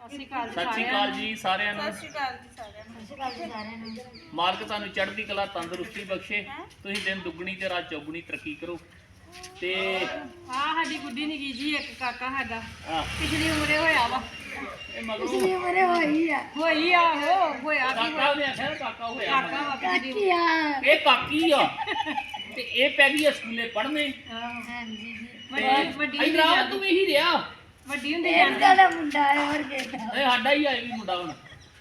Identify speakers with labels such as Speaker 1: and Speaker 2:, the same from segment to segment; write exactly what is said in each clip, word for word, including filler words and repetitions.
Speaker 1: ਸਤਿ ਸ਼੍ਰੀ ਅਕਾਲ
Speaker 2: ਸਤਿ ਸ਼੍ਰੀ ਅਕਾਲ ਜੀ ਸਾਰਿਆਂ ਨੂੰ।
Speaker 1: ਸਤਿ ਸ਼੍ਰੀ ਅਕਾਲ ਜੀ ਸਾਰਿਆਂ ਨੂੰ। ਸਤਿ ਸ਼੍ਰੀ ਅਕਾਲ ਜੀ ਸਾਰਿਆਂ ਨੂੰ।
Speaker 2: ਮਾਲਕ ਤੁਹਾਨੂੰ ਚੜ੍ਹਦੀ ਕਲਾ ਤੰਦਰੁਸਤੀ ਬਖਸ਼ੇ, ਤੁਸੀਂ ਦਿਨ ਦੁੱਗਣੀ ਤੇ ਰਾਤ ਚੌਗੁਣੀ ਤਰੱਕੀ ਕਰੋ। ਤੇ
Speaker 1: ਹਾਂ ਸਾਡੀ ਗੁੱਡੀ ਨਿੱਕੀ ਜੀ ਇੱਕ ਕਾਕਾ ਸਾਡਾ
Speaker 2: ਆ
Speaker 1: ਪਿਛਲੀ ਉਮਰੇ ਹੋਇਆ ਵਾ।
Speaker 2: ਇਹ ਮਗਰੋਂ
Speaker 1: ਪਿਛਲੀ ਉਮਰੇ ਹੋਈ ਆ ਹੋਈ ਆ ਹੋ ਹੋਇਆ ਕੀ
Speaker 2: ਕਾਕਾ ਨੇ ਆਖਿਆ ਕਾਕਾ ਹੋਇਆ
Speaker 1: ਕਾਕਾ ਵਾ ਪਿਛਲੀ ਆ
Speaker 2: ਇਹ ਕਾਕੀ ਆ ਤੇ ਇਹ ਪੈ ਗਈ ਆ ਸਕੂਲੇ ਪੜ੍ਹਨੇ।
Speaker 1: ਹਾਂਜੀ ਜੀ
Speaker 2: ਤੇ
Speaker 1: ਵੱਡੀ
Speaker 2: ਇਧਰ ਆ ਤੂੰ ਇਹੀ ਰਿਹਾ
Speaker 1: ਵੱਡੀ ਹੁੰਦੀ ਜਾਂਦਾ ਦਾ ਮੁੰਡਾ ਹੈ ਹੋਰ ਕਿਹਦਾ
Speaker 2: ਇਹ ਸਾਡਾ ਹੀ ਆ ਇਹ ਵੀ ਮੁੰਡਾ ਹੁਣ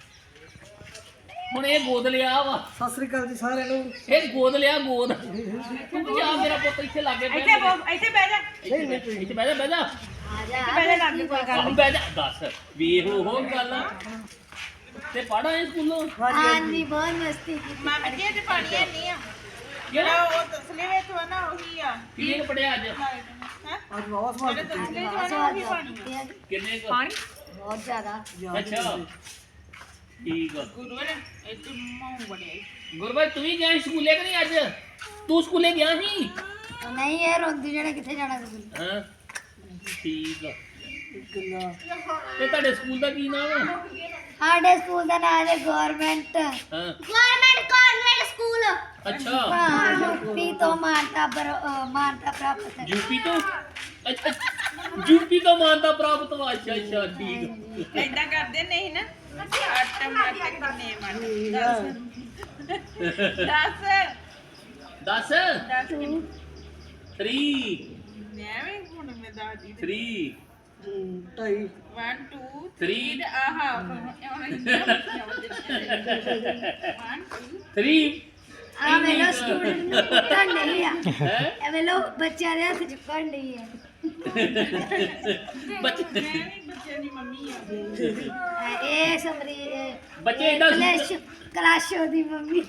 Speaker 2: ਹੁਣ ਇਹ ਗੋਦ ਲਿਆ ਵਾ।
Speaker 3: ਸਤਿ ਸ੍ਰੀ ਅਕਾਲ ਜੀ ਸਾਰਿਆਂ ਨੂੰ।
Speaker 2: ਇਹ ਗੋਦ ਲਿਆ ਗੋਦ ਤੂੰ ਵੀ ਆ ਮੇਰਾ ਪੁੱਤ ਇੱਥੇ ਲਾਗੇ ਬਹਿ
Speaker 1: ਇੱਥੇ ਬੋ- ਇੱਥੇ ਬਹਿ ਜਾ
Speaker 2: ਇੱਥੇ ਇੱਥੇ ਬਹਿ ਜਾ ਬਹਿ ਜਾ
Speaker 1: ਆ ਜਾ ਬਹਿ ਜਾ ਲੱਗ ਕੋਈ ਗੱਲ
Speaker 2: ਆ ਬਹਿ ਜਾ ਦੱਸ ਵੇਖ ਉਹ ਗੱਲ ਤੇ ਪੜ੍ਹਾ ਇਹ ਸਕੂਲੋਂ
Speaker 1: ਹਾਂਜੀ ਬਹੁਤ ਮਸਤੀ ਕੀਤੀ ਮਾਮੀ ਜੀ ਤੇ ਪਾਣੀ ਹੈ ਨਹੀਂ ਆ ਜਿਹੜਾ ਉਹ ਤਸਲੇ ਵਿੱਚ ਵਾ ਨਾ ਉਹੀ ਆ
Speaker 2: ਕਿੰਨੇ ਕੁ ਪੜਿਆ ਅੱਜ
Speaker 1: ਹੈ
Speaker 3: ਅੱਜ ਵਾਵਾ ਸਵਾਲ
Speaker 1: ਜਿਹੜੇ ਤਸਲੇ ਵਿੱਚ ਵਾ ਨਾ ਉਹੀ ਪਾਣੀ ਆ
Speaker 2: ਕਿੰਨੇ ਕੁ
Speaker 1: ਪਾਣੀ ਬਹੁਤ ਜ਼ਿਆਦਾ
Speaker 2: ਅੱਛਾ ਠੀਕ ਆ
Speaker 1: ਗੁਰੂ ਨੇ ਇੱਥੇ ਮਾਉ ਬੜਿਆ
Speaker 2: ਗੁਰਬਾਈ ਤੂੰ ਵੀ ਗਿਆ ਸੀ ਸਕੂਲੇ ਕਿ ਨਹੀਂ ਅੱਜ ਤੂੰ ਸਕੂਲੇ ਗਿਆ ਸੀ
Speaker 1: ਨਹੀਂ ਇਹ ਰੋਂਦੀ ਜਿਹੜੇ ਕਿੱਥੇ ਜਾਣਾ ਤੁਸੀਂ
Speaker 2: ਹਾਂ ਠੀਕ ਆ
Speaker 3: ਗੱਲਾਂ
Speaker 2: ਤੇ ਤੁਹਾਡੇ ਸਕੂਲ ਦਾ ਕੀ ਨਾਮ ਆ
Speaker 1: ਸਾਡੇ ਸਕੂਲ ਦਾ ਨਾਮ ਹੈ ਗਵਰਨਮੈਂਟ
Speaker 2: ਹਾਂ
Speaker 1: ਗਵਰਨਮੈਂਟ ਕਾਨਵੈਂਟ ਸਕੂਲ
Speaker 2: ਅੱਛਾ
Speaker 1: ਹਾਂ ਯੂਪੀ ਤੋਂ ਮਾਨਤਾ ਪਰ ਮਾਨਤਾ ਪ੍ਰਾਪਤ ਹੈ
Speaker 2: ਯੂਪੀ ਤੋਂ ਅੱਛਾ ਯੂਪੀ ਤੋਂ ਮਾਨਤਾ ਪ੍ਰਾਪਤ ਵਾ ਅੱਛਾ ਅੱਛਾ ਠੀਕ
Speaker 1: ਏਦਾਂ ਕਰਦੇ ਨਹੀਂ ਨਾ ਆਟੋਮੈਟਿਕ ਕਿੰਨੇ ਮਨ ਦਸ
Speaker 2: ਦਸ
Speaker 1: ਦਸ
Speaker 2: ਥ੍ਰੀ
Speaker 1: ਮੈਂ ਵੀ ਹੁਣ ਮੈਂ ਦਾਦੀ
Speaker 2: ਥ੍ਰੀ
Speaker 3: ਢਾਈ
Speaker 1: ਇੱਕ ਦੋ
Speaker 2: Three.
Speaker 1: ਤਿੰਨ ਆਹਾ one two
Speaker 2: ਥ੍ਰੀ
Speaker 1: ਆ ਮੇਰਾ ਸਟੂਡੈਂਟ ਨੂੰ ਪਤਾ ਨਹੀਂ ਆ
Speaker 2: ਹੈ
Speaker 1: ਇਹ ਵੇਲੋ ਬੱਚਿਆਂ ਦੇ ਹੱਥ ਚੁੱਕਣ ਨਹੀਂ ਹੈ
Speaker 2: ਬੱਚੇ
Speaker 1: ਬੱਚਿਆਂ ਦੀ ਮੰਮੀ ਆ ਇਹ ਸਮਰੀ
Speaker 2: ਬੱਚੇ ਏਦਾਂ
Speaker 1: ਕਲਾਸ਼ ਕਲਾਸ਼ੋ ਦੀ ਮੰਮੀ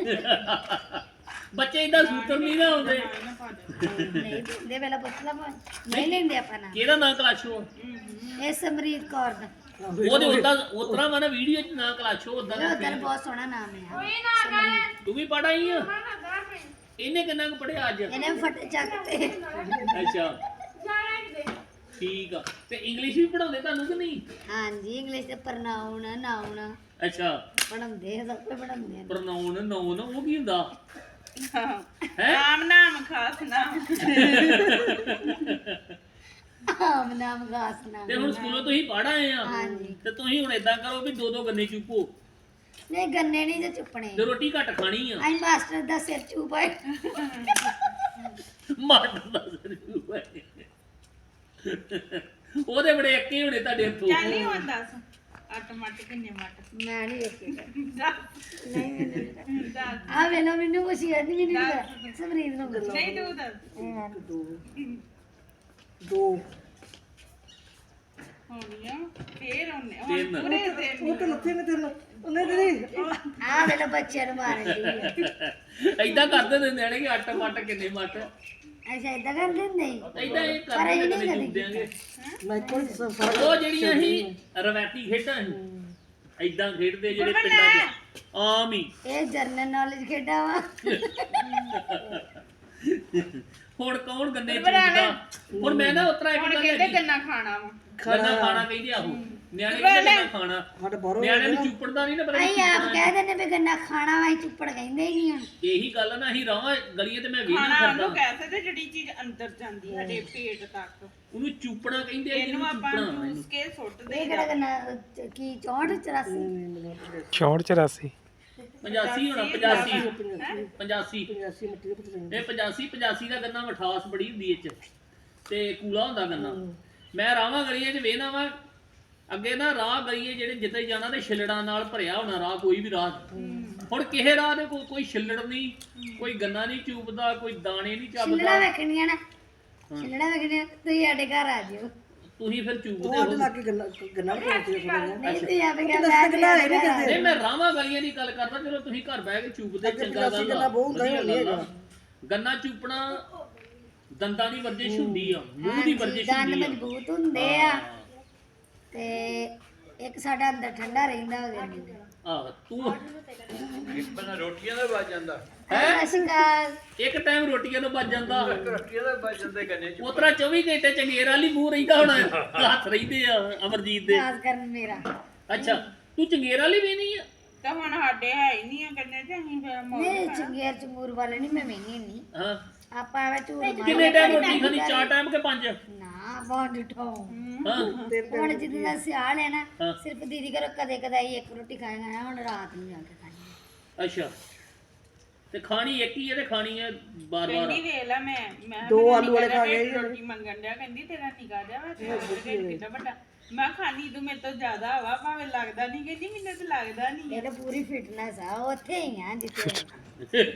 Speaker 2: ਬੱਚੇ ਏਦਾਂ ਸੂਤਰ ਨਹੀਂ ਨਾ ਹੁੰਦੇ
Speaker 1: ਨਹੀਂ ਦੇ ਵੇਲਾ ਪੁੱਛ ਲਾ ਨਹੀਂ ਲੈਂਦੇ ਆਪਾਂ ਨਾ
Speaker 2: ਕਿਹਦਾ ਨਾਂ ਕਲਾਸ਼ੋ
Speaker 1: ਇਹ ਸਮਰੀਤ ਕੌਰ ਦਾ
Speaker 2: ਉਹਦੇ ਉਦਾਂ ਉਤਰਾ ਮੈਂ ਨਾ ਵੀਡੀਓ ਚ ਨਾਂ ਕਲਾਸ਼ੋ ਉਦਾਂ
Speaker 1: ਇਹ ਉਧਰ ਬਹੁਤ ਸੋਹਣਾ ਨਾਮ ਹੈ
Speaker 2: ਤੂੰ ਵੀ ਪੜ੍ਹ ਆਈ ਆ ਇਹਨੇ ਕਿੰਨਾ ਕੁ ਪੜਿਆ ਅੱਜ
Speaker 1: ਇਹਨੇ ਫਟ ਚੱਕ ਤੇ
Speaker 2: ਅੱਛਾ ਠੀਕ ਆ ਤੇ ਇੰਗਲਿਸ਼ ਵੀ ਪੜਾਉਂਦੇ ਤੁਹਾਨੂੰ ਕਿ ਨਹੀਂ
Speaker 1: ਹਾਂਜੀ ਇੰਗਲਿਸ਼ ਤੇ ਪ੍ਰਨਾਉਨ ਨਾਉਨ
Speaker 2: ਅੱਛਾ
Speaker 1: ਪੜਾਉਂਦੇ ਆ ਸਭ ਕੁਝ ਪੜਾਉਂਦੇ ਆ
Speaker 2: ਪ੍ਰਨਾਉਨ ਨਾਉਨ ਉਹ ਕੀ ਹੁੰਦਾ ਹੈ
Speaker 1: ਨਾਮ ਨਾਮ ਖਾਸ ਨਾਮ ਨਾਮ ਨਾਮ ਖਾਸ ਨਾਮ
Speaker 2: ਤੇ ਹੁਣ ਸਕੂਲੋਂ ਤੁਸੀਂ ਪੜ੍ਹ ਆਏ ਆ
Speaker 1: ਹਾਂਜੀ
Speaker 2: ਤੇ ਤੁਸੀਂ ਹੁਣ ਏਦਾਂ ਕਰੋ ਵੀ ਦੋ ਦੋ ਗੰਨੇ ਚੁੱਪੋ
Speaker 1: ਨਹੀਂ ਗੰਨੇ ਨਹੀਂ ਜੇ ਚੁੱਪਣੇ
Speaker 2: ਤੇ ਰੋਟੀ ਘੱਟ ਖਾਣੀ ਆ
Speaker 1: ਆਈ ਮਾਸਟਰ ਦਾ ਸਿਰ ਚੁਪਾਏ
Speaker 2: ਮਾਟਰ ਦਾ ਸਿਰ ਚੁੱਪੇ ਉਹਦੇ ਬੜੇ ਅੱਕੇ ਹੋਣੇ ਤੁਹਾਡੇ ਹੱਥੋਂ
Speaker 1: ਚੱਲ ਨਹੀਂ ਹੁੰਦਾ ਅੱਟ ਮੱਟ ਕਿੰਨੇ ਮੱਟ ਮੈਂ ਨਹੀਂ ਵੇਖੇਗਾ ਨਹੀਂ ਆ ਵੇਲੋ ਮੈਨੂੰ ਕੁਛ ਯਾਦ ਨਹੀਂ ਮੈਨੂੰ ਸਮਰੀਤ ਨੂੰ ਦੱਸ ਨਹੀਂ ਤੂੰ ਦੱਸ
Speaker 3: ਦੋ ਦੋ
Speaker 1: ਹੋਣੀਆਂ ਫੇਰ ਉਹਨੇ
Speaker 2: ਤਿੰਨ
Speaker 1: ਪੂਰੇ ਦਿਨ
Speaker 3: ਉਹ ਤਾਂ ਲੱਥੇ ਨੇ ਤੇਰੇ ਉਹਨੇ ਤੇਰੀ
Speaker 1: ਆ ਵੇਲੋ ਬੱਚਿਆਂ ਨੂੰ ਮਾਰਨ ਦੀ
Speaker 2: ਏਦਾਂ ਕਰਦੇ ਨੇ ਨਿਆਣੇ ਕਿ ਅੱਟ ਮੱਟ ਕਿੰਨੇ ਮੱਟ
Speaker 1: ਅੱਛਾ ਇਦਾਂ ਕਰਦੇ ਹੁੰਦੇ ਸੀ
Speaker 2: ਏਦਾਂ ਇਹ
Speaker 1: ਪਰ ਇਹ
Speaker 2: ਕਰਦੇ
Speaker 1: ਨਹੀਂ
Speaker 2: ਨੇ
Speaker 1: ਕਦੇ
Speaker 2: ਜੁੱਦਿਆਂਗੇ
Speaker 3: ਮੈਂ ਕੋਈ
Speaker 2: ਉਹ ਜਿਹੜੀਆਂ ਸੀ ਰਵਾਇਤੀ ਖੇਡਾਂ ਸੀ ਏਦਾਂ ਖੇਡਦੇ ਜਿਹੜੇ ਪਿੰਡਾਂ 'ਚ ਆਮ ਹੀ
Speaker 1: ਇਹ ਜਰਨਲ ਨੌਲੇਜ ਖੇਡਾ ਵਾ
Speaker 2: ਹੁਣ ਕੌਣ ਗੰਨੇ ਚੁੱਕਦਾ ਹੁਣ ਮੈਂ ਨਾ ਉਤਰਾ ਇੱਕ ਗੱਲ ਕਹਿੰਦੇ
Speaker 1: ਗੰਨਾ ਖਾਣਾ ਵਾ
Speaker 2: ਗੰਨਾ ਖਾਣਾ ਕਹਿੰਦੇ ਆਹੋ ਨਿਆਣੇ ਕਹਿੰਦੇ ਗੰਨਾ ਖਾਣਾ
Speaker 3: ਸਾਡੇ ਬਾਹਰੋਂ
Speaker 2: ਨਿਆਣੇ ਨੂੰ ਚੁੱਪੜਦਾ ਨਹੀਂ ਨਾ ਪਰ
Speaker 1: ਅਸੀਂ ਆਪ ਕਹਿ ਦਿੰਦੇ ਵੀ ਗੰਨਾ ਖਾਣਾ ਵਾ ਅਸੀਂ ਚੁੱਪੜ ਕਹਿੰਦੇ ਹੀ ਨਹੀਂ ਹੁਣ
Speaker 2: ਇਹੀ ਗੱਲ ਨਾ ਅਸੀਂ ਰਾਵਾਂ ਗਲੀਆਂ ਤੇ ਮੈਂ ਵੀ ਨਹੀਂ
Speaker 4: ਖਾਣਾ ਉਹਨੂੰ
Speaker 2: ਕਰਦਾ
Speaker 4: ਕਹਿ ਸਕਦੇ ਜਿਹੜੀ ਚੀਜ਼ ਅੰਦਰ ਜਾਂਦੀ ਸਾਡੇ ਪੇਟ ਤੱਕ
Speaker 2: ਉਹਨੂੰ ਚੂਪਣਾ ਕਹਿੰਦੇ ਆ
Speaker 4: ਇਹਨੂੰ
Speaker 2: ਇਹਨੂੰ
Speaker 4: ਆਪਾਂ
Speaker 2: ਚੂਪਣਾ
Speaker 4: ਚੂਸ ਕੇ ਸੁੱਟ
Speaker 1: ਇਹ
Speaker 4: ਦੇ
Speaker 1: ਕਿਹੜਾ ਗੰਨਾ ਅਹ, ਕੀ ਚੌਂਹਠ ਚੁਰਾਸੀ
Speaker 5: ਚੌਂਹਠ ਚੁਰਾਸੀ
Speaker 2: ਪਚਾਸੀ ਹੋਣਾ ਪਚਾਸੀ ਪਚਾਸੀ
Speaker 3: ਪੰਜਾਸੀ ਮਿੱਟੀ ਦੇ ਪਤਲੇ
Speaker 2: ਇਹ ਪਚਾਸੀ ਪਚਾਸੀ ਦਾ ਗੰਨਾ ਮਠਾਸ ਬੜੀ ਹੁੰਦੀ ਇਹ ਚ ਤੇ ਕੂਲਾ ਹੁੰਦਾ ਗੰਨਾ ਮੈਂ ਰਾਵਾਂ ਗਲੀਆਂ 'ਚ ਵੇਖਣਾ ਵਾ ਅੱਗੇ ਨਾ ਰਾਹ ਗਲੀਏ ਜਿਹੜੇ ਜਿੱਥੇ ਜਾਣਾ ਤੇ ਛਿੱਲੜਾਂ ਨਾਲ ਭਰਿਆ ਹੋਣਾ ਰਾਹ ਕੋਈ ਵੀ ਰਾਹ ਹੁਣ ਕਿਸੇ ਰਾਹ ਦੇ ਕੋਈ ਕੋਈ ਛਿੱਲੜ ਨਹੀਂ ਕੋਈ ਗੰਨਾ ਨਹੀਂ ਚੂਪਦਾ ਕੋਈ ਦਾਣੇ ਨਹੀਂ
Speaker 1: ਛਿੱਲੜਾ
Speaker 2: ਚੱਬਦਾ
Speaker 1: ਵੇਖਣੀਆਂ ਨਾ ਛਿੱਲੜਾ ਵੇਖਣੀਆਂ ਤੁਸੀਂ ਸਾਡੇ ਘਰ ਆ ਜਿਓ
Speaker 2: ਤੁਸੀਂ ਫਿਰ ਚੂਪਦੇ
Speaker 3: ਉਹ ਅੱਡ
Speaker 2: ਹੋ
Speaker 3: ਲਾ ਕੇ ਗੰਨਾ ਗੰਨਾ ਬਣਾ ਕੇ ਥੋੜਾ
Speaker 1: ਨਹੀਂ ਤੁਸੀਂ ਆਪ ਕਹਿ
Speaker 3: ਦੱਸ ਗੰਨਾ ਹੈ ਨਹੀਂ ਕਰਦੇ
Speaker 2: ਨਹੀਂ ਮੈਂ ਰਾਵਾਂ ਗਲੀਆਂ ਦੀ ਗੱਲ ਕਰਦਾ ਚਲੋ ਤੁਸੀਂ ਘਰ ਬਹਿ ਕੇ ਚੂਪਦੇ ਚੰਗਾ ਗੱਲ
Speaker 3: ਗੰਨਾ ਬਹੁਤ ਹੁੰਦਾ ਹੀ
Speaker 2: ਵਧੀਆ
Speaker 3: ਨਹੀਂ
Speaker 2: ਗੱਲ ਆ।
Speaker 3: ਹੈਗਾ।
Speaker 2: ਗੰਨਾ ਚੂਪਣਾ ਦੰਦਾਂ ਦੀ ਵਰਜਿਸ਼ ਹੁੰਦੀ ਆ ਮੂੰਹ ਦੀ ਵਰਜਿਸ਼
Speaker 1: ਦੰਦ
Speaker 2: ਹੁੰਦੀ ਆ
Speaker 1: ਮਜ਼ਬੂਤ ਹੁੰਦੇ ਆ ਤੇ
Speaker 5: ਇੱਕ ਸਾਡਾ ਅੰਦਰ ਠੰਡਾ ਰਹਿੰਦਾ ਉਹਦੇ ਅੰਦਰ
Speaker 2: ਆਹ ਤੂੰ
Speaker 6: ਇੱਕ ਬੰਦਾ ਰੋਟੀਆਂ ਦਾ ਵੱਜ ਜਾਂਦਾ
Speaker 5: ਸਤਿ ਸ਼੍ਰੀ ਅਕਾਲ
Speaker 2: ਇੱਕ ਟਾਈਮ ਰੋਟੀਆਂ ਤੋਂ ਬਚ ਜਾਂਦਾ
Speaker 6: ਰੋਟੀਆਂ ਦਾ ਵੱਜ ਜਾਂਦੇ ਕੰਨੇ ਚ
Speaker 2: ਉਤਰਾ ਚੌਵੀ ਘੰਟੇ ਚੰਗੇਰ ਵਾਲੀ ਮੂੰਹ ਰਹਿੰਦਾ ਹੁਣ ਹੱਥ ਰਹਿੰਦੇ ਆ ਅਮਰਜੀਤ ਦੇ
Speaker 5: ਖਾਸ ਕਰਨ ਮੇਰਾ
Speaker 2: ਅੱਛਾ ਤੂੰ ਚੰਗੇਰ ਵਾਲੀ ਵੀ ਨਹੀਂ ਆ
Speaker 4: ਤਾਂ ਹੁਣ ਸਾਡੇ ਹੈ ਹੀ ਨਹੀਂ ਆ ਕੰਨੇ ਤੇ ਅਸੀਂ ਫਿਰ ਮੌਜ
Speaker 5: ਨਹੀਂ ਚੰਗੇਰ ਚੰਗੂਰ ਵਾਲੇ ਨਹੀਂ ਮੈਂ ਮੈਨੀ ਨਹੀਂ
Speaker 2: ਹਾਂ
Speaker 5: ਆਪਾਂ ਐਵੇਂ ਝੂਠ ਮਾਰ
Speaker 2: ਕਿੰਨੇ ਟਾਈਮ ਰੋਟੀ ਖਾਣੀ ਚਾਰ ਟਾਈਮ ਕਿ ਪੰਜ
Speaker 5: ਨਾ ਬਹੁਤ ਡਿਠੋ
Speaker 2: ਹਾਂ
Speaker 5: ਹੁਣ ਜਿੱਦਾਂ ਦਾ ਸਿਆਲ ਹੈ ਨਾ
Speaker 2: ਹਾਂ।
Speaker 5: ਸਿਰਫ ਦੀਦੀ ਘਰੋਂ ਕਦੇ ਕਦਾਈ ਇੱਕ ਰੋਟੀ ਖਾਏਗਾ ਹੁਣ ਰਾਤ ਨੂੰ ਜਾ ਕੇ ਖਾਣੀ
Speaker 2: ਅੱਛਾ ਤੇ ਖਾਣੀ ਇੱਕ ਹੀ ਹੈ ਤੇ ਖਾਣੀ ਹੈ ਬਾਰ ਬਾਰ
Speaker 4: ਕਹਿੰਦੀ ਵੇਖ ਲਾ ਮੈਂ ਮੈਂ ਕਿਹਾ
Speaker 3: ਦੋ
Speaker 4: ਮੇਰਾ
Speaker 3: ਆਲੂ ਵਾਲੇ
Speaker 4: ਨਿੱਕਾ
Speaker 3: ਖਾ
Speaker 4: ਜਿਹਾ
Speaker 3: ਗਏ
Speaker 4: ਰੋਟੀ ਮੰਗਣ ਡਿਆ ਕਹਿੰਦੀ ਤੇਰਾ ਨਿਕਾ ਜਾ ਵਾ ਤੇਰਾ ਢਿੱਡ ਕਿੱਡਾ ਵੱਡਾ ਮੈਂ ਖਾਣੀ ਤੂੰ ਮੇਰੇ ਤੋਂ ਜ਼ਿਆਦਾ ਵਾ ਭਾਵੇਂ ਲੱਗਦਾ ਨਹੀਂ ਕਹਿੰਦੀ ਮੈਨੂੰ ਤਾਂ ਲੱਗਦਾ ਨਹੀਂ
Speaker 5: ਇਹ ਤਾਂ ਪੂਰੀ ਫਿਟਨੈਸ ਆ ਉੱਥੇ ਹੀ ਆ ਜਿੱਥੇ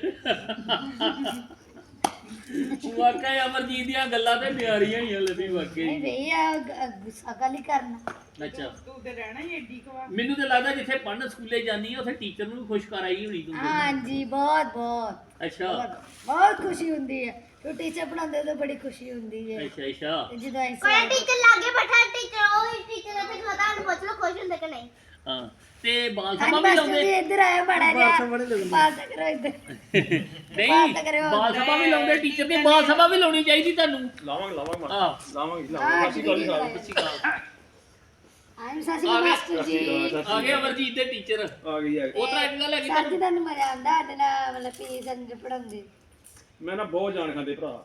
Speaker 2: ਵਾਕਈ ਅਮਰਜੀਤ ਦੀਆਂ ਗੱਲਾਂ ਤੇ ਪਿਆਰੀਆਂ ਹੀ ਆ ਲੱਭੀ
Speaker 5: ਨਹੀਂ
Speaker 2: ਵਾਕਈ
Speaker 5: ਭਈ ਆ ਗ- ਗੁੱਸਾ ਕਾਲੀ ਕਰਨਾ
Speaker 2: ਅੱਛਾ
Speaker 4: ਤੂੰ ਤੇ ਰਹਿਣਾ ਹੀ ਏਡੀ ਕਵਾ
Speaker 2: ਮੈਨੂੰ ਤੇ ਲੱਗਦਾ ਜਿੱਥੇ ਪੜਨ ਸਕੂਲੇ ਜਾਂਦੀ ਆ ਉੱਥੇ ਟੀਚਰ ਨੂੰ ਵੀ ਖੁਸ਼ ਕਰ ਆਈ ਹੋਣੀ ਤੂੰ
Speaker 5: ਹਾਂਜੀ ਬਹੁਤ ਬਹੁਤ
Speaker 2: ਅੱਛਾ
Speaker 5: ਬਹੁਤ ਬਹੁਤ ਖੁਸ਼ੀ ਹੁੰਦੀ ਹੈ ਜੋ ਟੀਚਰ ਪੜਾਉਂਦੇ ਤਾਂ ਬੜੀ ਖੁਸ਼ੀ ਹੁੰਦੀ ਹੈ
Speaker 2: ਅੱਛਾ ਅੱਛਾ
Speaker 5: ਤੇ ਜਦੋਂ ਅਸੀਂ
Speaker 7: ਕੋਈ ਟੀਚਰ ਲਾਗੇ ਬੈਠਾ ਟੀਚਰ ਉਹ ਟੀਚਰ ਉੱਥੇ ਖੜਾ ਉਹਨੂੰ ਪੁੱਛ ਲਓ ਖੁਸ਼ ਹੁੰਦੇ ਕਿ ਨਹੀਂ
Speaker 2: ਹਾਂ ਤੇ ਬਾਲ ਸਭਾ
Speaker 5: ਹਾਂਜੀ
Speaker 2: ਵੀ
Speaker 5: ਮਾਸਟਰ ਜੀ
Speaker 2: ਲਾਉਂਦੇ
Speaker 5: ਇੱਧਰ ਆਇਆ ਬੜਾ
Speaker 3: ਬਾਲ ਸਭਾ ਨਹੀਂ
Speaker 5: ਜਿਹਾ
Speaker 3: ਲਾਉਂਦੇ।
Speaker 5: ਬਾਲ ਤਾਂ ਕਰੋ ਇੱਧਰ
Speaker 2: ਨਹੀਂ
Speaker 5: ਬਾਲ ਤਾਂ ਕਰਿਓ।
Speaker 2: ਬਾਲ ਸਭਾ ਵੀ ਲਾਉਂਦੇ ਟੀਚਰ ਦੀ ਬਾਲ ਸਭਾ ਵੀ ਲਾਉਣੀ ਚਾਹੀਦੀ ਤੁਹਾਨੂੰ
Speaker 6: ਲਾਵਾਂਗੇ ਲਾਵਾਂਗੇ
Speaker 2: ਹਾਂ
Speaker 6: ਲਾਵਾਂਗੇ
Speaker 5: ਹਾਂ
Speaker 6: ਲਾਵਾਂਗੇ
Speaker 5: ਜੀ
Speaker 2: ਸੱਚੀ ਗੱਲ
Speaker 5: ਆਇਮ ਸਾਸੀ ਮਾਸਟਰ ਜੀ
Speaker 2: ਆ ਗਏ ਅਮਰਜੀਤ ਦੇ ਟੀਚਰ
Speaker 6: ਆ ਗਈ ਆ ਗਈ।
Speaker 2: ਉਹ ਤਰ੍ਹਾਂ ਇੱਕ ਗੱਲ ਹੈਗੀ
Speaker 5: ਸਰ ਜੀ ਤੁਹਾਨੂੰ ਮਜ਼ਾ ਆਉਂਦਾ ਸਾਡੇ ਨਾਲ ਮਤਲਬ ਪੀ ਸੰਜ ਪੜਾਉਂਦੇ
Speaker 6: ਮੈਂ ਨਾ ਬਹੁਤ ਜਾਣ ਖਾਂਦੇ ਭਰਾ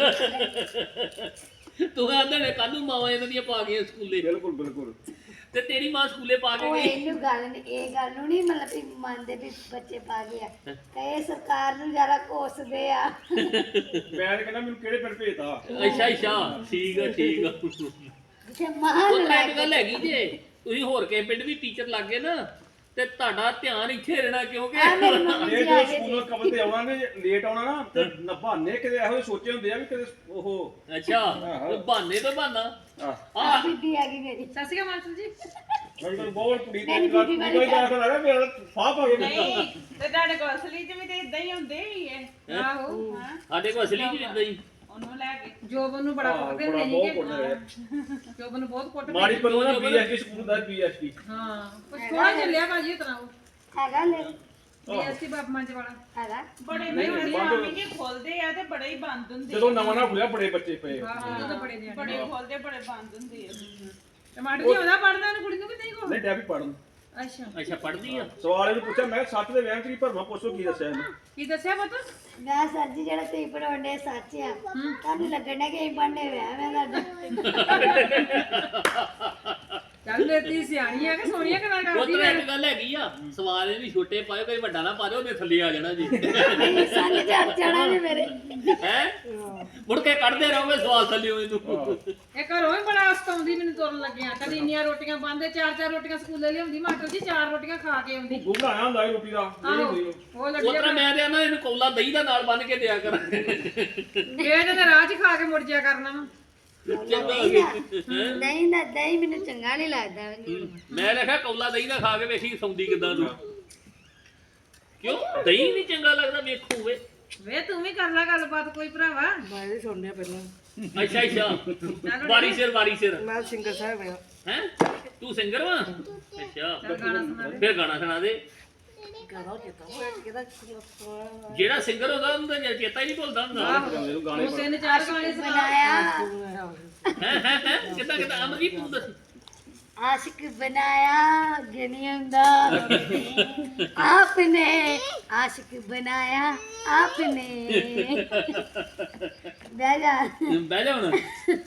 Speaker 2: ਤੂੰ ਆਂਦੇ ਨੇ ਕੱਲ ਨੂੰ ਮਾਵਾਂ ਇਹਨਾਂ ਦੀਆਂ ਪਾ ਗਈਆਂ ਸਕੂਲੇ
Speaker 6: ਬਿਲਕੁਲ ਬਿਲਕੁਲ
Speaker 2: ਤੇ ਤੇਰੀ ਮਾਂ ਸਕੂਲੇ ਪਾ ਕੇ
Speaker 5: ਉਹ
Speaker 2: ਗਈ
Speaker 5: ਇਹਨੂੰ ਗੱਲ ਨੀ ਇਹ ਗੱਲ ਨੂੰ ਨਹੀਂ ਮਤਲਬ ਵੀ ਮੰਨਦੇ ਵੀ ਬੱਚੇ ਪਾ ਗਿਆ ਕਹੇ ਸਰਕਾਰ ਨੂੰ ਜ਼ਿਆਦਾ ਕੋਸਦੇ ਆ
Speaker 6: ਮੈਂ ਤਾਂ ਕਹਿੰਦਾ ਮੈਨੂੰ ਕਿਹੜੇ ਪਿੰਡ ਭੇਜਤਾ
Speaker 2: ਅੱਛਾ ਅੱਛਾ ਠੀਕ ਆ ਠੀਕ ਆ
Speaker 5: ਜਿੱਥੇ ਮਹਾਨ
Speaker 2: ਉਹ ਤਰ੍ਹਾਂ
Speaker 5: ਲੱਗ
Speaker 2: ਇੱਕ ਗੱਲ ਹੈਗੀ ਜੇ ਤੁਸੀਂ ਹੋਰ ਕਿਸੇ ਪਿੰਡ ਵੀ ਟੀਚਰ ਲੱਗ ਗਏ ਨਾ ਤੇ ਤੁਹਾਡਾ ਧਿਆਨ ਇੱਥੇ ਰਹਿਣਾ ਕਿਉਂਕਿ
Speaker 5: ਆ ਮੇਰੀ ਮੰਮੀ
Speaker 6: ਇਹ
Speaker 5: ਜੀ ਆ
Speaker 6: ਜੋ
Speaker 5: ਗਏ
Speaker 6: ਸਕੂਲੋਂ
Speaker 5: ਜੀ
Speaker 6: ਕਮਲ ਤੇ ਆਉਣਾ ਨੇ ਲੇਟ ਆਉਣਾ ਨਾ ਤੇ ਨਭਾਨੇ ਕਿਤੇ ਇਹੋ ਜਿਹੇ ਸੋਚੇ ਹੁੰਦੇ ਆ ਵੀ ਕਿਤੇ ਉਹ
Speaker 2: ਅੱਛਾ ਉਹ ਬਹਾਨੇ ਤੋਂ ਬਹਾਨਾ
Speaker 6: ਆਹ
Speaker 2: ਆ
Speaker 5: ਬੀਬੀ ਆ ਗਈ ਮੇਰੀ
Speaker 4: ਸਤਿ ਸ਼੍ਰੀ ਅਕਾਲ ਮਾਸਟਰ ਜੀ
Speaker 6: ਮੈਂ ਤਾਂ ਬਹੁਤ ਕੁੜੀ
Speaker 5: ਮੇਰੀ
Speaker 6: ਦੀ ਗੱਲ
Speaker 5: ਬੀਬੀ ਵਾਲੀ
Speaker 6: ਕੋਈ ਦਾ ਲੱਗਾ ਮੇਰਾ ਫਾਹ ਪਾ ਕੇ
Speaker 4: ਨਹੀਂ ਤੇ ਤੁਹਾਡੇ ਕੋਲ ਅਸਲੀ ਚ ਵੀ ਤੇ ਇਦਾਂ ਹੀ ਹੁੰਦੇ ਹੀ ਹੈ ਆਹੋ ਹਾਂ
Speaker 2: ਸਾਡੇ ਕੋਲ ਅਸਲੀ ਜੀ ਇਦਾਂ ਹੀ
Speaker 4: ਉਹਨੂੰ ਲੈ ਕੇ ਜੋਬਨ ਨੂੰ ਬੜਾ
Speaker 6: ਹਾਂ,
Speaker 4: ਕੁੱਟਦੇ
Speaker 6: ਬੜਾ
Speaker 4: ਹੁੰਦੇ
Speaker 6: ਬਹੁਤ
Speaker 4: ਸੀਗੇ
Speaker 6: ਕੁੱਟਦੇ ਆ।
Speaker 4: ਜੋਬਨ ਨੂੰ ਬਹੁਤ ਕੁੱਟਦੇ
Speaker 6: ਮਾੜੀ ਪਰੋ ਨਾ ਬੀਐਸਟੀ ਸਕੂਲ ਦਾ ਬੀਐਸਟੀ
Speaker 4: ਹਾਂ ਕੁਝ ਥੋੜਾ ਚੱਲਿਆ ਭਾਜੀ ਉਤਰਾ ਉਹ
Speaker 5: ਹੈਗਾ ਲੈ
Speaker 4: ਬੀਐਸਟੀ ਬਾਪ ਮੰਜ ਵਾਲਾ
Speaker 5: ਹੈਗਾ
Speaker 4: ਬੜੇ ਨਹੀਂ ਹੁੰਦੇ ਆਮੀ ਜੀ ਖੋਲਦੇ ਆ ਤੇ ਬੜੇ ਹੀ ਬੰਦ ਹੁੰਦੇ
Speaker 6: ਜਦੋਂ ਨਵਾਂ ਨਾ ਖੁੱਲਿਆ ਬੜੇ ਬੱਚੇ ਪਏ
Speaker 4: ਹਾਂ ਉਹ ਬੜੇ ਨੇ ਬੜੇ ਖੋਲਦੇ ਬੜੇ ਬੰਦ ਹੁੰਦੇ ਆ ਟਮਾਟਰ ਜੀ ਉਹਦਾ ਪੜਦਾ ਨੂੰ ਕੁੜੀ ਨੂੰ ਕਿ ਨਹੀਂ ਕੋ
Speaker 6: ਨਹੀਂ ਡੈਬੀ ਪੜਨ
Speaker 4: ਅੱਛਾ
Speaker 2: ਅੱਛਾ ਪੜਦੀ ਆ
Speaker 6: ਸਵਾਲ ਇਹਨੂੰ ਪੁੱਛਿਆ ਮੈਂ ਸੱਤ ਦੇ ਵਹਿਮ ਚ ਕੀ ਭਰਮਾ ਪੁੱਛੋ ਕੀ ਦੱਸਿਆ ਇਹਨੇ
Speaker 4: ਕੀ ਦੱਸਿਆ ਪੁੱਤ
Speaker 5: ਮੈਂ ਸਰ ਜੀ ਜਿਹੜਾ ਤੁਸੀਂ ਪੜਾਉਂਦੇ ਸੱਚ ਆ ਤੁਹਾਨੂੰ ਲੱਗਣਾ ਕਿ ਅਸੀਂ ਪੜ੍ਹਨੇ ਵਿਆਹ ਮੈਂ ਤੁਹਾਡਾ
Speaker 4: ਚੱਲ ਮੇਰੀ ਸਿਆਣੀ ਆ ਕਿ ਸੋਹਣੀਆਂ ਗੱਲਾਂ
Speaker 2: ਉਹ
Speaker 4: ਕਰਦੀ
Speaker 2: ਤਰ੍ਹਾਂ
Speaker 4: ਆ
Speaker 2: ਇੱਕ ਗੱਲ ਹੈਗੀ ਆ ਸਵਾਲ ਇਹਦੀ ਛੋਟੇ ਪਾਇਓ ਕੋਈ ਵੱਡਾ ਨਾ ਪਾ ਦਿਓ ਉਹਦੇ ਥੱਲੇ ਆ ਜਾਣਾ ਜੀ
Speaker 5: ਨਹੀਂ ਸੰਗ ਚੜ ਜਾਣਾ ਨੇ ਮੇਰੇ
Speaker 2: ਹੈ ਮੁੜ ਕੇ ਕੱਢਦੇ ਰਹੋਗੇ ਸਵਾਲ ਥੱਲੇ ਹੋਏ ਤੂੰ
Speaker 4: ਇਹ ਘਰੋਂ ਹੀ ਬੜਾ ਸਤਾਉਂਦੀ ਮੈਨੂੰ ਤੁਰਨ ਲੱਗਿਆ ਕਦੀ ਇੰਨੀਆਂ ਰੋਟੀਆਂ ਬੰਦੇ ਚਾਰ ਚਾਰ ਰੋਟੀਆਂ ਸਕੂਲੇ ਲਿਆਉਂਦੀ ਮਾਸਟਰ ਜੀ ਚਾਰ ਰੋਟੀਆਂ ਖਾ ਕੇ ਆਉਂਦੀ
Speaker 6: ਗੁੰਮ ਆਇਆ ਹੁੰਦਾ ਇਹ ਰੋਟੀ ਦਾ ਨਹੀਂ
Speaker 4: ਆਹੋ
Speaker 6: ਹੁੰਦੀ ਉਹ।
Speaker 4: ਉਹ
Speaker 2: ਉਹ
Speaker 4: ਲੱਗੀ
Speaker 2: ਤਰ੍ਹਾਂ ਮੈਂ ਤੇ ਨਾ ਇਹਨੂੰ ਕੌਲਾ ਦਹੀਂ ਦਾ ਨਾਲ ਬੰਨ ਕੇ ਦਿਆ ਕਰ
Speaker 4: ਇਹ ਤੇ ਰਾਹ 'ਚ ਖਾ ਕੇ ਮੁੜ ਜਿਆ ਕਰਨਾ ਵਾ
Speaker 2: ਚੰਗਾ
Speaker 5: ਨਹੀਂ ਨਾ ਦਹੀਂ ਮੈਨੂੰ ਚੰਗਾ ਨਹੀਂ ਲੱਗਦਾ
Speaker 2: ਮੈਂ ਲਿਖਿਆ ਕੌਲਾ ਦਹੀਂ ਦਾ ਖਾ ਕੇ ਵੇਖੀ ਸੌਂਦੀ ਕਿਦਾਂ ਤੂੰ ਕਿਉਂ ਦਹੀਂ ਨਹੀਂ ਚੰਗਾ ਲੱਗਦਾ ਵੇਖੋ ਵੇ
Speaker 4: ਵੇ ਤੂੰ ਵੀ ਕਰ ਲੈ ਗੱਲਬਾਤ ਕੋਈ ਭਰਾਵਾ
Speaker 3: ਮੈਂ ਵੀ ਸੁਣਿਆ ਪਹਿਲਾਂ
Speaker 2: ਅੱਛਾ ਅੱਛਾ ਵਾਰੀ ਸਿਰ ਵਾਰੀ ਸਿਰ
Speaker 3: ਮੈਂ ਸਿੰਗਰ ਸਾਹਿਬ ਆ
Speaker 2: ਹੈ ਤੂੰ ਸਿੰਗਰ ਵਾ ਅੱਛਾ
Speaker 4: ਚੱਲ ਗਾਣਾ ਸੁਣਾ ਦੇ
Speaker 2: ਫਿਰ ਗਾਣਾ ਸੁਣਾ ਦੇ
Speaker 3: ਗਾਣਾ ਕੀਤਾ ਹੋਇਆ ਕਿਹਦਾ
Speaker 2: ਜਿਹੜਾ ਸਿੰਗਰ ਹੁੰਦਾ ਉਹਨੂੰ ਤਾਂ ਚੇਤਾ ਹੀ ਨਹੀਂ ਭੁੱਲਦਾ ਹੁੰਦਾ
Speaker 6: ਇਹਨੂੰ ਗਾਣੇ
Speaker 4: ਤੂੰ ਤਿੰਨ ਚਾਰ ਗਾਣੇ ਸੁਣਾ
Speaker 5: ਬਣਾਇਆ
Speaker 2: ਹੈ ਹੈ ਹੈ ਕਿੱਦਾਂ ਕਿੱਦਾਂ ਅਮਰਜੀਤ ਤੂੰ ਦੱਸ
Speaker 5: आशिक बनाया गनियंदा आपने आशिक बनाया आपने बेजा
Speaker 2: ਬਹਿ ਜਾ ਹੁਣ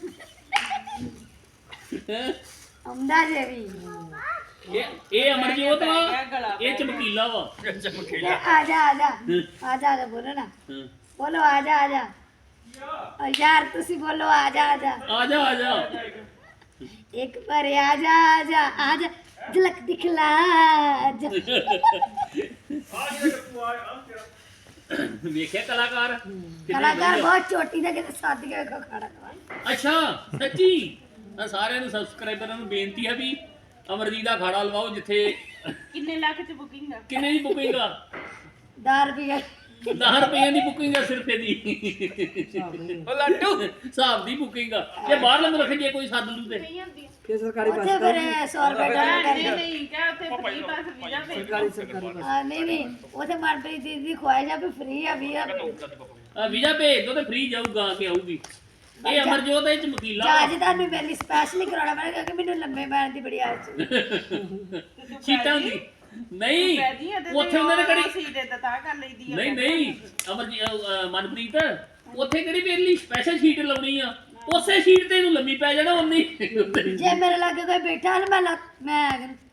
Speaker 5: अमदा देवी
Speaker 2: ਇਹ ਇਹ ਅਮਰਜੀਤ ਵਾ ਇਹ ਚਮਕੀਲਾ ਵਾ
Speaker 5: आजा आजा आजा आजा बोलो ना
Speaker 2: ਹਾਂ।
Speaker 5: बोलो आजा आजा और यार तुसी बोलो आजा आजा
Speaker 2: ਆ ਜਾ ਆ ਜਾ
Speaker 5: एक बार आजा आजा आजा झलक दिखला आजा।
Speaker 2: ਵੇਖਿਆ ਕਲਾਕਾਰ ਕਿੰਨੇ
Speaker 5: कलाकार
Speaker 2: ਵਧੀਆ।
Speaker 5: बहुत चोटी था कि साथ के को खड़ा करवा
Speaker 2: ਅੱਛਾ ਸੱਚੀ ਤਾਂ ਸਾਰਿਆਂ ਨੂੰ ਸਬਸਕ੍ਰਾਈਬਰਾਂ ਨੂੰ ਬੇਨਤੀ ਹੈ ਵੀ ਅਮਰਜੀਤ ਦਾ ਖਾੜਾ ਲਵਾਓ ਜਿੱਥੇ
Speaker 4: ਕਿੰਨੇ ਲੱਖ 'ਚ ਬੁਕਿੰਗ ਆ
Speaker 2: ਕਿੰਨੇ ਦੀ ਬੁਕਿੰਗ ਆ
Speaker 5: दार भी है
Speaker 2: ਦਸ ਰੁਪਏ ਦੀ ਬੁਕਿੰਗ ਆ ਸਿਰਫ ਇਹਦੀ ਉਹ ਲੱਡੂ ਹਿਸਾਬ ਦੀ ਬੁਕਿੰਗ ਆ ਜੇ ਬਾਹਰ ਲੰਗ ਰੱਖ ਜੇ ਕੋਈ ਸੱਦ ਲੂ ਤੇ
Speaker 3: ਫਿਰ ਸਰਕਾਰੀ ਬੱਸ
Speaker 5: ਉੱਥੇ ਫਿਰ ਸੌ ਰੁਪਏ ਡਾਲਰ
Speaker 4: ਨਹੀਂ
Speaker 5: ਕਰਦੇ
Speaker 4: ਨਹੀਂ ਕਿਆ ਉੱਥੇ ਫ੍ਰੀ ਬੱਸ ਵੀਜ਼ਾ ਭੇਜ
Speaker 3: ਸਰਕਾਰੀ ਸਰਕਾਰੀ ਬੱਸ
Speaker 5: ਆ ਨਹੀਂ ਨਹੀਂ ਉੱਥੇ ਮਨਪ੍ਰੀਤ ਦੀਦੀ ਦੀ ਖੁਆਇਸ਼ ਆ ਵੀ ਫ੍ਰੀ ਆ ਵੀ ਆ
Speaker 2: ਆ ਵੀਜ਼ਾ ਭੇਜ ਦੋ ਤੇ ਫ੍ਰੀ ਜਾਊਗਾ ਆ ਕੇ ਆਊਗੀ ਇਹ ਅਮਰਜੋਤ ਇਹ ਚਮਕੀਲਾ
Speaker 5: ਜਾਜ ਤੁਹਾਨੂੰ ਮੇਰੇ ਲਈ ਸਪੈਸ਼ਲੀ ਕਰਾਉਣਾ ਪੈਣਾ ਕਿਉਂਕਿ ਮੈਨੂੰ ਲੰਮੇ ਪੈਣ ਦੀ ਬੜੀ ਆਦਤ ਹੈ
Speaker 2: ਸੀਟਾਂ ਦੀ ਨਹੀਂ
Speaker 4: ਜੀ ਇਹਦੇ
Speaker 2: ਉੱਥੇ ਉਹਨਾਂ ਨੇ ਕਿਹੜੀ
Speaker 4: ਸੀਟ ਤੇ ਤਾਂ ਕਰ ਲਈਦੀ ਆ
Speaker 2: ਨਹੀਂ ਨਹੀਂ ਅਮਰਜੀ ਅਹ ਮਨਪ੍ਰੀਤ ਉੱਥੇ ਕਿਹੜੀ ਮੇਰੇ ਲਈ ਸਪੈਸ਼ਲ ਸੀਟ ਲਾਉਣੀ ਆ ਉਸੇ ਸੀਟ ਤੇ ਇਹਨੂੰ ਲੰਮੀ ਪੈ ਜਾਣਾ ਉਨੀ
Speaker 5: ਜੇ ਮੇਰੇ ਲਾਗੇ ਕੋਈ ਬੈਠਾ ਨਾ ਮੈਂ ਲੱਤ- ਮੈਂ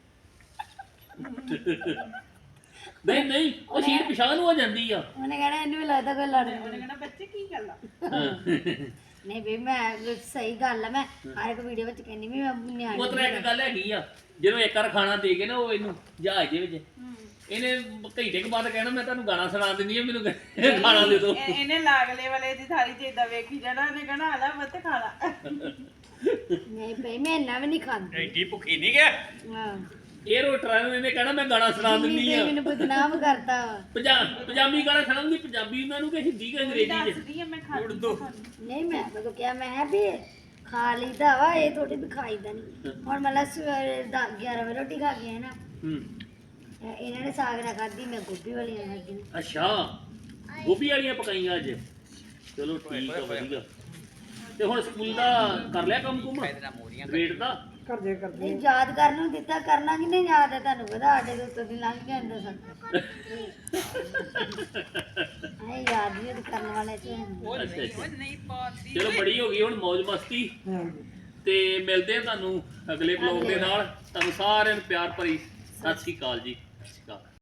Speaker 2: ਨਹੀਂ ਨਹੀਂ ਉਹ ਸੀਟ ਪਿਛਾਂ ਨੂੰ ਹੋ ਜਾਂਦੀ ਆ
Speaker 5: ਉਹਨੇ ਕਹਿਣਾ ਇਹਨੂੰ ਵੀ ਲੱਗਦਾ ਕੋਈ ਲੜ
Speaker 4: ਉਹਨੇ ਕਹਿਣਾ ਬੱਚੇ ਕੀ ਗੱਲ ਆ
Speaker 5: ਨਹੀਂ ਬਈ ਮੈਂ ਸਹੀ ਗੱਲ ਆ ਮੈਂ ਹਰ ਇੱਕ ਵੀਡੀਓ ਵਿੱਚ ਕਹਿੰਦੀ ਵੀ ਮੈਂ ਨਿਆਣੀ
Speaker 2: ਉਹ ਤਰ੍ਹਾਂ ਇੱਕ ਗੱਲ ਹੈਗੀ ਆ ਜਦੋਂ ਇੱਕ ਵਾਰ ਖਾਣਾ ਦੇ ਕੇ ਨਾ ਉਹ ਇਹਨੂੰ ਜਹਾਜ਼ ਦੇ ਵਿੱਚ ਇਹਨੇ ਘੰਟੇ ਕੁ ਬਾਅਦ ਕਹਿਣਾ ਮੈਂ ਤੁਹਾਨੂੰ ਗਾਣਾ ਸੁਣਾ ਦਿੰਦੀ ਆ ਮੈਨੂੰ ਖਾਣਾ ਦੇ ਦਿਓ
Speaker 4: ਇਹ- ਇਹਨੇ ਲਾਗਲੇ ਵਾਲੇ ਦੀ ਥਾਲੀ ਚ ਏਦਾਂ ਵੇਖੀ ਜਾਣਾ ਉਹਨੇ ਕਹਿਣਾ ਆ ਲੈ ਬੱਤ ਖਾ ਲਾ
Speaker 5: ਨਹੀਂ ਬਈ ਮੈਂ ਇੰਨਾ ਵੀ ਨਹੀਂ ਖਾਂਦੀ
Speaker 2: ਐਡੀ ਭੁੱਖੀ ਨਹੀਂ ਗਿਆ
Speaker 5: ਹਾਂ
Speaker 2: ਇਹ ਰੋਟਰਾਂ ਨੂੰ ਇਹਨੇ ਕਹਿਣਾ ਮੈਂ ਗਾਣਾ ਸੁਣਾ ਦਿੰਦੀ
Speaker 5: ਨਹੀਂ
Speaker 2: ਆ
Speaker 5: ਮੈਨੂੰ ਬਦਨਾਮ ਕਰਦਾ ਵਾ
Speaker 2: ਪੰਜਾ- ਪੰਜਾਬੀ ਗਾਣਾ ਸੁਣਾਉਂਦੀ ਪੰਜਾਬੀ ਉਹਨਾਂ ਨੂੰ ਕਿ ਹਿੰਦੀ ਕਿ ਅੰਗਰੇਜ਼ੀ ਚ
Speaker 4: ਦੱਸਦੀ ਆ ਮੈਂ ਖਾ
Speaker 5: ਨਹੀਂ ਮੈਂ ਤਾਂ ਕਿਹਾ ਮੈਂ ਕਿਹਾ ਵੀ ਖਾ ਲਈਦਾ ਵਾ ਇਹ ਥੋੜੀ ਵੀ ਖਾਈਦਾ ਨਹੀਂ ਹੁਣ ਮਤਲਬ ਸਵੇਰੇ ਦਸ ਗਿਆਰਾਂ ਵਜੇ ਰੋਟੀ ਖਾ ਕੇ ਆਏ ਨਾ
Speaker 2: ਹੂੰ
Speaker 5: ਇਹ- ਇਹਨਾਂ ਨੇ ਸਾਗ ਨਾਲ ਖਾਧੀ ਮੈਂ ਗੋਭੀ ਵਾਲੀਆਂ ਖਾਧੀ ਨੇ
Speaker 2: ਅੱਛਾ ਗੋਭੀ ਵਾਲੀਆਂ ਪਕਾਈਆਂ ਅੱਜ ਚਲੋ ਠੀਕ ਆ ਵਧੀਆ ਤੇ ਹੁਣ ਸਕੂਲ ਦਾ ਕਰ ਲਿਆ ਕੰਮ ਕੁਮ ਗ੍ਰੇਡ ਦਾ
Speaker 3: ਕਰਦੇ ਕਰਦੇ
Speaker 5: ਨਹੀਂ ਯਾਦ ਕਰਨ ਨੂੰ ਦਿੱਤਾ ਕਰਨਾ ਕਿ ਨਹੀਂ ਯਾਦ ਹੈ ਤੁਹਾਨੂੰ ਪਤਾ ਸਾਡੇ ਦੇ ਉੱਤੋਂ ਦੀ ਲੰਘ ਜਾਂਦਾ ਸਭ ਐ ਯਾਦ ਵੀ ਕਰਨ ਵਾਲੇ ਚ
Speaker 2: ਅੱਛਾ ਅੱਛਾ ਚਲੋ ਬੜੀ ਹੋ ਗਈ ਹੁਣ ਮौज ਮਸਤੀ
Speaker 3: ਹਾਂਜੀ
Speaker 2: ਤੇ ਮਿਲਦੇ ਆ ਤੁਹਾਨੂੰ ਅਗਲੇ ਬਲੌਗ ਦੇ ਨਾਲ ਤੁਹਾਨੂੰ ਸਾਰਿਆਂ ਨੂੰ ਪਿਆਰ ਭਰੀ ਸਤਿ ਸ਼੍ਰੀ ਅਕਾਲ ਜੀ ਸਤਿ ਸ਼੍ਰੀ ਅਕਾਲ